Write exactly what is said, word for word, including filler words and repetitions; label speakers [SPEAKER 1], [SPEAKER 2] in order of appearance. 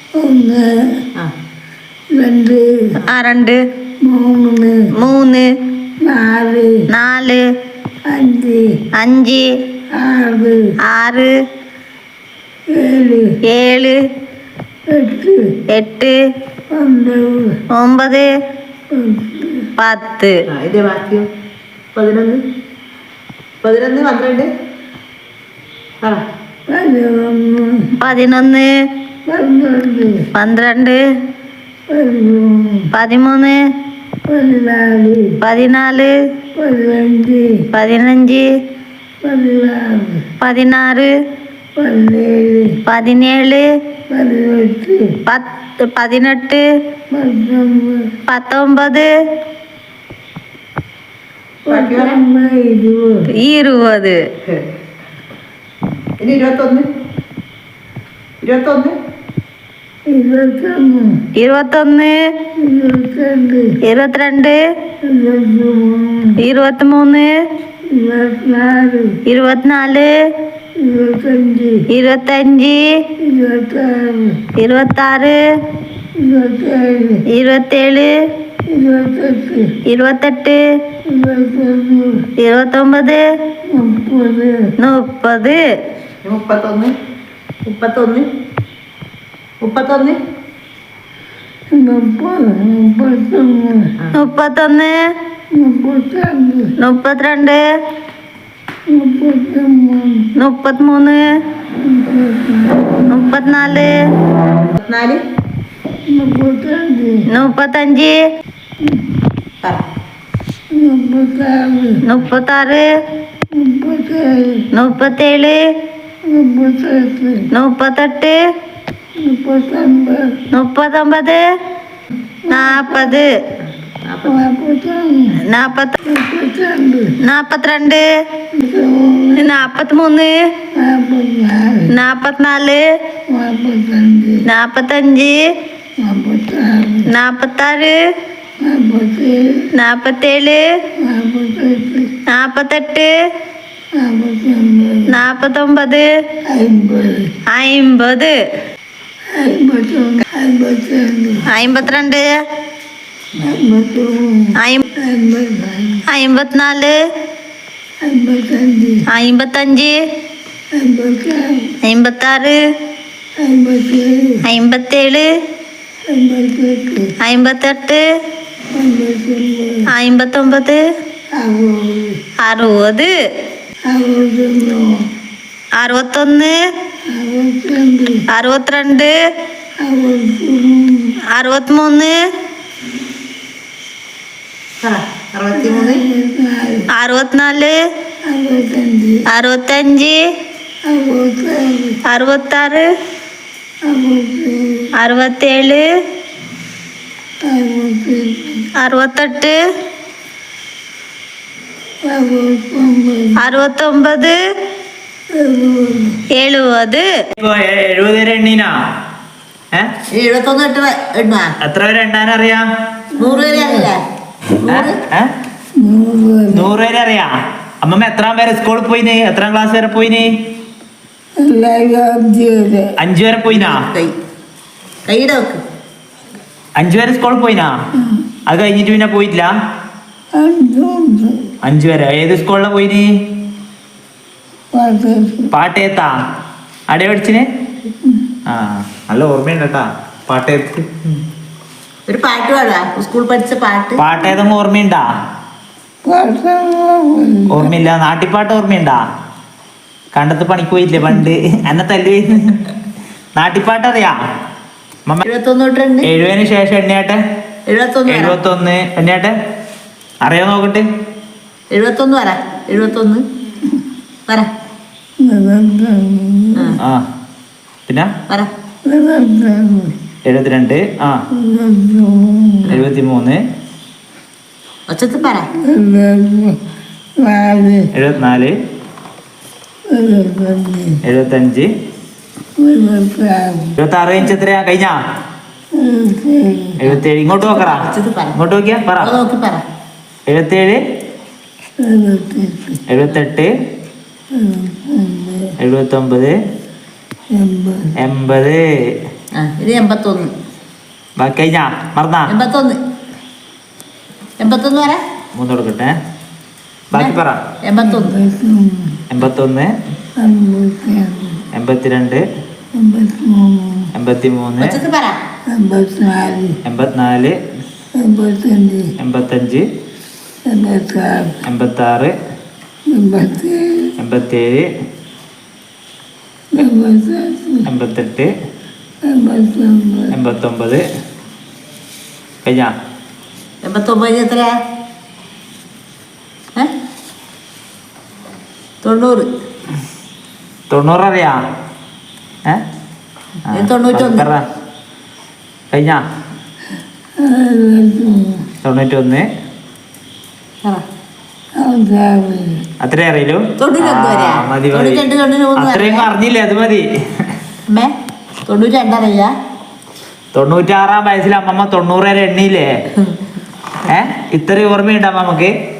[SPEAKER 1] ഒന്ന് രണ്ട്
[SPEAKER 2] ആ രണ്ട്
[SPEAKER 1] മൂന്ന്
[SPEAKER 2] മൂന്ന്
[SPEAKER 1] നാല്
[SPEAKER 2] നാല്
[SPEAKER 1] അഞ്ച്
[SPEAKER 2] അഞ്ച്
[SPEAKER 1] ആറ്
[SPEAKER 2] ആറ്
[SPEAKER 1] ഏഴ്
[SPEAKER 2] ഏഴ്
[SPEAKER 1] എട്ട്
[SPEAKER 2] എട്ട്
[SPEAKER 1] ഒമ്പത്
[SPEAKER 2] ഒമ്പത്
[SPEAKER 1] പത്ത്
[SPEAKER 2] പത്ത്
[SPEAKER 3] ഇതിന്റെ ബാക്കിയോ പതിനൊന്ന് പതിനൊന്ന് പന്ത്രണ്ട് ആ
[SPEAKER 1] പതിനൊന്ന്
[SPEAKER 2] പതിനൊന്ന്
[SPEAKER 1] പന്ത്രണ്ട്
[SPEAKER 2] പന്ത്രണ്ട്
[SPEAKER 1] പതിമൂന്ന്
[SPEAKER 2] പതിമൂന്ന്
[SPEAKER 1] പതിനാല്
[SPEAKER 2] പതിനാല്
[SPEAKER 1] പതിനഞ്ച്
[SPEAKER 2] പതിനഞ്ച്
[SPEAKER 1] പതിനാറ്
[SPEAKER 2] പതിനാറ്
[SPEAKER 1] പതിനേഴ്
[SPEAKER 2] പതിനേഴ്
[SPEAKER 1] പതിനെട്ട്
[SPEAKER 2] പത്ത് പതിനെട്ട്
[SPEAKER 1] പത്തൊമ്പത്
[SPEAKER 2] പത്തൊമ്പത്
[SPEAKER 1] പത്തൊമ്പത് ഇരുപത്
[SPEAKER 2] ഇരുപത്
[SPEAKER 3] ഇനി ഇരുപത്തൊന്ന് ഇരുപത്തൊന്ന്
[SPEAKER 1] ഇരുപത്തൊന്ന്
[SPEAKER 2] ഇരുപത്തൊന്ന്
[SPEAKER 1] ഇരുപത്തിരണ്ട്
[SPEAKER 2] ഇരുപത്തിരണ്ട്
[SPEAKER 1] ഇരുപത്തിമൂന്ന്
[SPEAKER 2] ഇരുപത്തിമൂന്ന്
[SPEAKER 1] ഇരുപത്തിനാല്
[SPEAKER 2] ഇരുപത്തിനാല്
[SPEAKER 1] ഇരുപത്തഞ്ച്
[SPEAKER 2] ഇരുപത്തഞ്ച്
[SPEAKER 1] ഇരുപത്താറ്
[SPEAKER 2] ഇരുപത്താറ്
[SPEAKER 1] ഇരുപത്തേഴ്
[SPEAKER 2] ഇരുപത്തേഴ്
[SPEAKER 1] ഇരുപത്തെട്ട്
[SPEAKER 2] ഇരുപത്തെട്ട്
[SPEAKER 1] ഇരുപത്തൊന്ന്
[SPEAKER 2] ഇരുപത്തൊമ്പത്
[SPEAKER 1] മുപ്പത്
[SPEAKER 2] മുപ്പത്
[SPEAKER 3] മുപ്പത്തൊന്ന് മുപ്പത്തൊന്ന് മുപ്പത്തൊന്ന്
[SPEAKER 1] മുപ്പത് മുപ്പത്തൊന്ന്
[SPEAKER 2] മുപ്പത്തൊന്ന്
[SPEAKER 1] മുപ്പത്തിരണ്ട്
[SPEAKER 2] മുപ്പത്തിരണ്ട്
[SPEAKER 1] മുപ്പത്തിമൂന്ന്
[SPEAKER 2] മുപ്പത്തിമൂന്ന് മുപ്പത്തിനാല്
[SPEAKER 3] മുപ്പത്തിനാല്
[SPEAKER 1] മുപ്പത്തഞ്ച്
[SPEAKER 2] മുപ്പത്തഞ്ച്
[SPEAKER 3] പറ
[SPEAKER 1] മുപ്പത്താറ്
[SPEAKER 2] മുപ്പത്താറ്
[SPEAKER 1] മുപ്പത്തേഴ്
[SPEAKER 2] മുപ്പത്തേഴ്
[SPEAKER 1] മുപ്പത്തെട്ട്
[SPEAKER 2] മുപ്പത്തെട്ട്
[SPEAKER 1] മുപ്പത്തൊമ്പത്
[SPEAKER 2] മുപ്പത്തൊമ്പത് നാൽപ്പത്
[SPEAKER 1] നാൽപ്പത്തൊന്ന്
[SPEAKER 2] നാൽപ്പത്തി
[SPEAKER 1] മുപ്പത്തിരണ്ട്
[SPEAKER 2] നാൽപ്പത്തിരണ്ട് നാൽപ്പത്തിമൂന്ന്
[SPEAKER 1] നാൽപ്പത്തിനാല്
[SPEAKER 2] നാൽപ്പത്തിനാല്
[SPEAKER 1] നാൽപ്പത്തഞ്ച്
[SPEAKER 2] നാൽപ്പത്തഞ്ച്
[SPEAKER 1] നാൽപ്പത്താറ്
[SPEAKER 2] നാൽപ്പത്താറ്
[SPEAKER 1] നാൽപ്പത്തേഴ്
[SPEAKER 2] നാൽപ്പത്തേഴ്
[SPEAKER 1] നാൽപ്പത്തെട്ട്
[SPEAKER 2] നാൽപ്പത്തെട്ട്
[SPEAKER 1] നാൽപ്പത്തൊമ്പത്
[SPEAKER 2] നാൽപ്പത്തൊമ്പത്
[SPEAKER 1] അമ്പത്
[SPEAKER 2] അമ്പത്
[SPEAKER 1] അമ്പത്തൊന്ന് അമ്പത്തിരണ്ട്
[SPEAKER 2] അമ്പത്തിരണ്ട്
[SPEAKER 1] അമ്പത്തിമൂന്ന്
[SPEAKER 2] അമ്പത്തിനാല്
[SPEAKER 1] അമ്പത്തഞ്ച്
[SPEAKER 2] അമ്പത്തഞ്ച്
[SPEAKER 1] അമ്പത്താറ്
[SPEAKER 2] അമ്പത്താറ്
[SPEAKER 1] അമ്പത്തേഴ്
[SPEAKER 2] അമ്പത്തേഴ്
[SPEAKER 1] അമ്പത്തെട്ട്
[SPEAKER 2] അമ്പത്തെട്ട്
[SPEAKER 1] അമ്പത്തൊമ്പത്
[SPEAKER 2] അമ്പത്തൊമ്പത്
[SPEAKER 1] അറുപത്
[SPEAKER 2] അറുപത്
[SPEAKER 1] അറുപത്തൊന്ന്
[SPEAKER 2] അറുപത്തൊന്ന്
[SPEAKER 1] അറുപത്തിരണ്ട്
[SPEAKER 2] അറുപത്തിരണ്ട്
[SPEAKER 1] അറുപത്തിമൂന്ന്
[SPEAKER 3] അറുപത്തിമൂന്ന്
[SPEAKER 1] അറുപത്തിനാല്
[SPEAKER 2] അറുപത്തിനാല്
[SPEAKER 1] അറുപത്തഞ്ച്
[SPEAKER 2] അറുപത്താറ്
[SPEAKER 1] അറുപത്താറ്
[SPEAKER 2] അറുപത്തേഴ്
[SPEAKER 1] അറുപത്തെട്ട്
[SPEAKER 2] അറുപത്തെട്ട്
[SPEAKER 1] അറുപത്തൊമ്പത്
[SPEAKER 2] അറുപത്തൊമ്പത്
[SPEAKER 1] എഴുപത്
[SPEAKER 4] എഴുപത് വരെ എണ്ണീനാ ഏ
[SPEAKER 3] എഴുപത്തൊന്ന് എട്ട് എണ്ണ
[SPEAKER 4] എത്ര വരെ എണ്ണാൻ അറിയാം?
[SPEAKER 3] നൂറ് വരെ അറിയില്ല
[SPEAKER 4] ഏ? നൂറ് വരെ അറിയാം. അമ്മമ്മ എത്രാം വരെ സ്കൂളിൽ പോയിന്? എത്രാം ക്ലാസ് വരെ പോയിന്? അഞ്ചു വരെ പോയിനാ?
[SPEAKER 3] കൈ കൈയുടെ വെക്ക്
[SPEAKER 4] അഞ്ചു വരെ സ്കൂളിൽ പോയിനാ? അത് കഴിഞ്ഞിട്ട് പിന്നെ പോയിട്ടില്ല? അഞ്ചു വരെ ഏത് സ്കൂളിലാ പോയിന്? പാട്ടയത്താ? അടെ പഠിച്ചിന്? ആ നല്ല ഓർമ്മയുണ്ട് കേട്ടാ പാട്ടയത്ത്.
[SPEAKER 3] ഒരു പാട്ട് പാടാ സ്കൂൾ പഠിച്ച പാട്ട്.
[SPEAKER 4] പാട്ടേതെങ്കിലും ഓർമ്മയുണ്ടാ? ഓർമ്മയില്ല. നാട്ടിപ്പാട്ട് ഓർമ്മയുണ്ടാ? കണ്ടത്ത് പണിക്ക് പോയില്ലേ പണ്ട് എന്നെ തല്ലു? നാട്ടിപ്പാട്ട് അറിയാ?
[SPEAKER 3] എഴുപത്തൊന്ന് തൊട്ടുണ്ട്
[SPEAKER 4] എഴുപതിന് ശേഷം എണ്ണയാട്ടെ.
[SPEAKER 3] എഴുപത്തൊന്ന്
[SPEAKER 4] എഴുപത്തൊന്ന് എണ്ണയാട്ടെ. അറിയാൻ നോക്കട്ടെ.
[SPEAKER 3] എഴുപത്തൊന്ന് പറ എഴുപത്തൊന്ന് പറ
[SPEAKER 4] ആ പിന്നെ
[SPEAKER 3] പറ
[SPEAKER 4] എഴുപത്തിരണ്ട് ആ എഴുപത്തി മൂന്ന്
[SPEAKER 3] ഒച്ചത്ത് പറ
[SPEAKER 4] എഴുപത്തിനാല് എഴുപത്തഞ്ച് എഴുപത്തി ആറ് കഴിഞ്ഞ എത്രയാ കഴിഞ്ഞാ? എഴുപത്തേഴ്. ഇങ്ങോട്ട് നോക്കറാ, ഇങ്ങോട്ട് നോക്കിയാ പറ.
[SPEAKER 3] നോക്കി പറ
[SPEAKER 4] എഴുപത്തേഴ് എഴുപത്തെട്ട് എഴുപത്തൊമ്പത് എൺപത്
[SPEAKER 3] ആ ഇത് എൺപത്തൊന്ന്.
[SPEAKER 4] ബാക്കി കഴിഞ്ഞാ മറന്നാ
[SPEAKER 3] എൺപത്തൊന്ന് എൺപത്തൊന്ന് വരെ
[SPEAKER 4] മൂന്ന് കൊടുക്കട്ടെ. ബാക്കി പറ.
[SPEAKER 3] എൺപത്തൊന്ന്
[SPEAKER 4] എൺപത്തൊന്ന്
[SPEAKER 2] അമ്പത്തിരണ്ട്
[SPEAKER 4] എൺപത്തിരണ്ട്
[SPEAKER 2] എൺപത്തിമൂന്ന്
[SPEAKER 4] എൺപത്തി മൂന്ന്
[SPEAKER 3] ഉച്ചക്ക് പറ.
[SPEAKER 2] എൺപത്തിനാല്
[SPEAKER 4] എൺപത്തിനാല്
[SPEAKER 2] എൺപത്തഞ്ച്
[SPEAKER 4] എൺപത്തഞ്ച്
[SPEAKER 2] എൺപത്താറ്
[SPEAKER 4] എൺപത്താറ്
[SPEAKER 2] എൺപത്തേഴ്
[SPEAKER 4] എൺപത്തേഴ്
[SPEAKER 2] എൺപത്തെട്ട്
[SPEAKER 4] എൺപത്തെട്ട്
[SPEAKER 2] എൺപത്തൊമ്പത്
[SPEAKER 4] എൺപത്തൊമ്പത് കഴിഞ്ഞാ
[SPEAKER 3] എൺപത്തൊമ്പത് എത്രയാ? ഏ തൊണ്ണൂറ്.
[SPEAKER 4] തൊണ്ണൂറ് അറിയാ? ഏ ആ,
[SPEAKER 3] ഇത് തൊണ്ണൂറ്റൊന്ന്.
[SPEAKER 4] പറ. കഴിഞ്ഞാ തൊണ്ണൂറ്റൊന്ന്
[SPEAKER 3] പറ.
[SPEAKER 4] അത്രേ അറിയൂ.
[SPEAKER 3] തൊണ്ണൂറ്റൊന്ന് വരെയാ?
[SPEAKER 4] ആ, മതി മതി.
[SPEAKER 3] തൊണ്ണൂറ്റിരണ്ട് തൊണ്ണൂറ്റിമൂന്ന്
[SPEAKER 4] അത്രയും
[SPEAKER 3] വരെയാ?
[SPEAKER 4] അറിഞ്ഞില്ലേ? അത് മതി.
[SPEAKER 3] അമ്മേ തൊണ്ണൂറ്റി രണ്ടറിയാ?
[SPEAKER 4] തൊണ്ണൂറ്റാറാം വയസ്സിൽ അമ്മമ്മ തൊണ്ണൂറ് വരെ എണ്ണിയില്ലേ? ഏ ഇത്രയും ഓർമ്മയുണ്ടാ നമുക്ക്?